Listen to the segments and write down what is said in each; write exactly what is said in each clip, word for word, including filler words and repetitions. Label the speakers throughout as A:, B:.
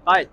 A: Hayır.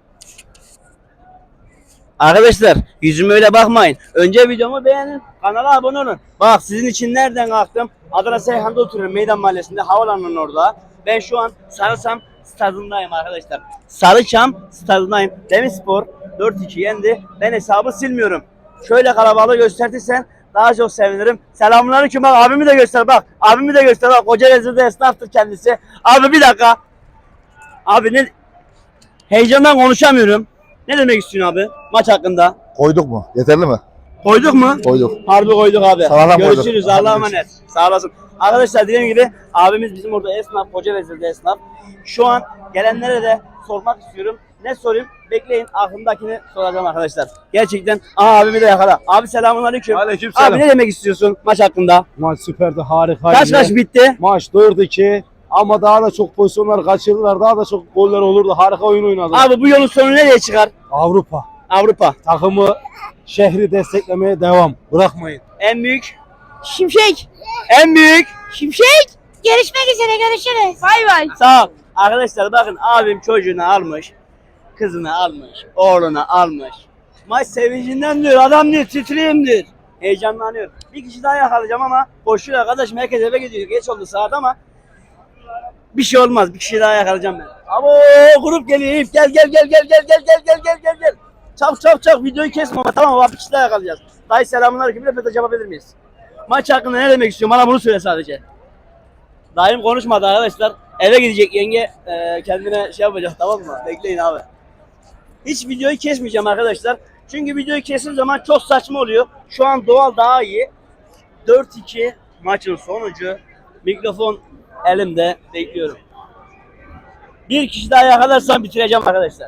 A: Arkadaşlar yüzüme öyle bakmayın. Önce videomu beğenin. Kanala abone olun. Bak sizin için nereden kalktım? Adana Seyhan'da oturuyorum. Meydan Mahallesi'nde. Havalanının orada. Ben şu an Sarıçam stadındayım arkadaşlar. Sarıçam stadındayım. Demirspor dört iki yendi. Ben hesabı silmiyorum. Şöyle kalabalığı göstertirsen daha çok sevinirim. Selamünaleyküm, bak abimi de göster bak. Abimi de göster bak. Kocaeli'de esnaftır kendisi. Abi bir dakika. Abi ne? Heyecandan konuşamıyorum. Ne demek istiyorsun abi maç hakkında?
B: Koyduk mu? Yeterli mi?
A: Koyduk mu?
B: Koyduk.
A: Harbi koyduk abi.
B: Sağlam
A: Görüşürüz.
B: koyduk.
A: Allah'a emanet. Sağ olasın. Arkadaşlar dediğim gibi abimiz bizim orada esnaf, Kocaeli'de esnaf. Şu an gelenlere de sormak istiyorum. Ne sorayım? Bekleyin, aklımdakini soracağım arkadaşlar. Gerçekten. Aa abimi de yakala. Abi selamünaleyküm.
C: Aleykümselam.
A: Abi ne demek istiyorsun maç hakkında?
C: Maç süperdi, harikaydı.
A: Kaç kaç bitti?
C: Maç dört iki ama daha da çok pozisyonlar kaçırdılar. Daha da çok goller olurdu. Harika oyun oynadı.
A: Abi bu yolun sonu nereye çıkar?
C: Avrupa.
A: Avrupa.
C: Takımı, şehri desteklemeye devam. Bırakmayın.
A: En büyük.
D: Şimşek.
A: En büyük.
D: Şimşek. Görüşmek üzere, görüşürüz. Bay bay.
A: Sağ ol. Arkadaşlar bakın abim çocuğunu almış. Kızını almış. Oğlunu almış. Maç sevincinden diyor. Adam diyor titreyim diyor. Heyecanlanıyor. Bir kişi daha yakalayacağım ama koşuyor arkadaşım. Herkes eve gidiyor. Geç oldu saat ama bir şey olmaz. Bir kişi daha yakalayacağım ben. Abo grup geliyor. Eyüp. Gel gel gel gel gel gel gel gel gel gel gel. Çabuk çabuk çabuk videoyu kesme ama tamam mı? Bir kişi daha yakalayacağız. Dayı selamünaleyküm. Röportaj yapabilir miyiz? Maç hakkında ne demek istiyorsun? Bana bunu söyle sadece. Dayım konuşmadı arkadaşlar. Eve gidecek yenge e, kendine şey yapacak, tamam mı? Bekleyin abi. Hiç videoyu kesmeyeceğim arkadaşlar. Çünkü videoyu kesim zaman çok saçma oluyor. Şu an doğal daha iyi. dört iki maçın sonucu. Mikrofon elimde, bekliyorum. Bir kişi daha yakalarsam bitireceğim arkadaşlar.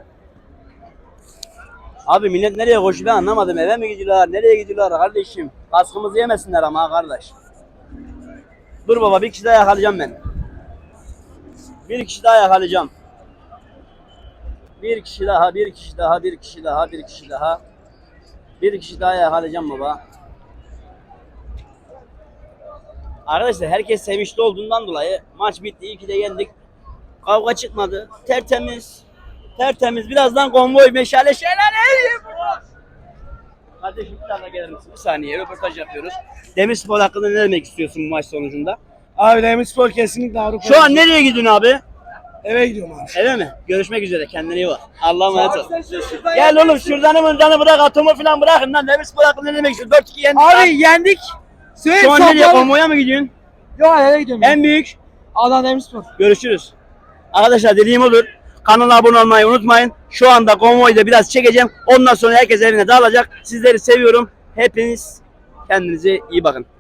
A: Abi millet nereye koşuyor ben anlamadım. Eve mi gidiyorlar? Nereye gidiyorlar kardeşim? Kaskımızı yemesinler ama kardeş. Dur baba, bir kişi daha yakalayacağım ben. Bir kişi daha yakalayacağım. Bir kişi daha, bir kişi daha, bir kişi daha, bir kişi daha. Bir kişi daha yakalayacağım baba. Arkadaşlar herkes sevinçli olduğundan dolayı maç bitti. İyi ki de yendik. Kavga çıkmadı. Tertemiz. Tertemiz. Birazdan konvoy meşale şeyler. Kardeşim bir tane gelir misin? Bir saniye röportaj yapıyoruz. Demirspor hakkında ne demek istiyorsun bu maç sonucunda?
C: Abi Demirspor kesinlikle Avrupa.
A: Şu an nereye gidiyorsun abi?
C: eve gidiyorum abi.
A: Eve mi? Görüşmek üzere. Kendine iyi bak. Allah'a emanet ol. Gel oğlum şuradanı mırdanı bırak. Atomu falan bırakın lan. Demirspor hakkında ne demek istiyorsun? dört iki yendik.
D: Abi yendik. Söyle
A: Şu an nereye? Konvoya mı gidiyorsun?
D: Yok, eve gidiyorum.
A: En büyük.
D: Adana Demirspor.
A: Görüşürüz. Arkadaşlar dediğim olur. Kanala abone olmayı unutmayın. Şu anda konvoyu da biraz çekeceğim. Ondan sonra herkes evine dağılacak. Sizleri seviyorum. Hepiniz kendinize iyi bakın.